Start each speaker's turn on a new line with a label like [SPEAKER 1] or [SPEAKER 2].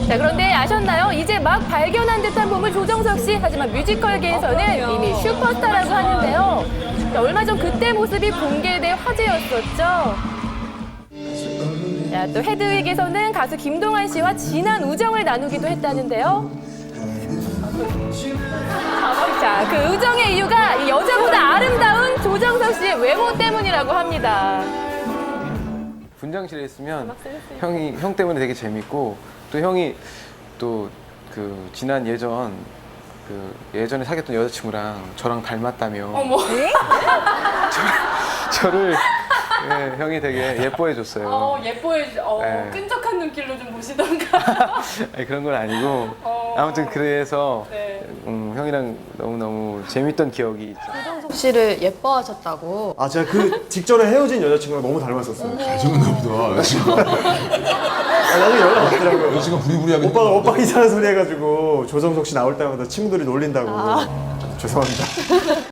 [SPEAKER 1] 자, 그런데 아셨나요? 이제 막 발견한 듯한 몸을 조정석 씨. 하지만 뮤지컬계에서는 이미 슈퍼스타라고 하는데요. 자, 얼마 전 그때 모습이 공개돼 화제였었죠. 자, 또 헤드윅에서는 가수 김동완 씨와 진한 우정을 나누기도 했다는데요. 자, 그 우정의 이유가 이 여자보다 아름다운 조정석 씨의 외모 때문이라고 합니다.
[SPEAKER 2] 분장실에 있으면 형 때문에 되게 재밌고 또 형이 또 그 지난 예전에 사귀었던 여자친구랑 저랑 닮았다며.
[SPEAKER 1] 어머.
[SPEAKER 2] 저를 예, 형이 되게 예뻐해 줬어요.
[SPEAKER 1] 예뻐해, 끈적한 눈길로 좀 보시던가.
[SPEAKER 2] 아니, 그런 건 아니고 아무튼 그래서
[SPEAKER 1] 네.
[SPEAKER 2] 형이랑 너무너무 재밌던 기억이 있죠.
[SPEAKER 3] 조정석 씨를 예뻐하셨다고.
[SPEAKER 4] 아, 제가 그 직전에 헤어진 여자친구랑 너무 닮았었어요.
[SPEAKER 5] 잘생겼나 보다. 여자친구가.
[SPEAKER 4] 아, 나중에 연락 왔더라고요.
[SPEAKER 5] 여자친구가 부리부리하게.
[SPEAKER 4] 오빠가 이상한 소리 해가지고 조정석 씨 나올 때마다 친구들이 놀린다고. 죄송합니다.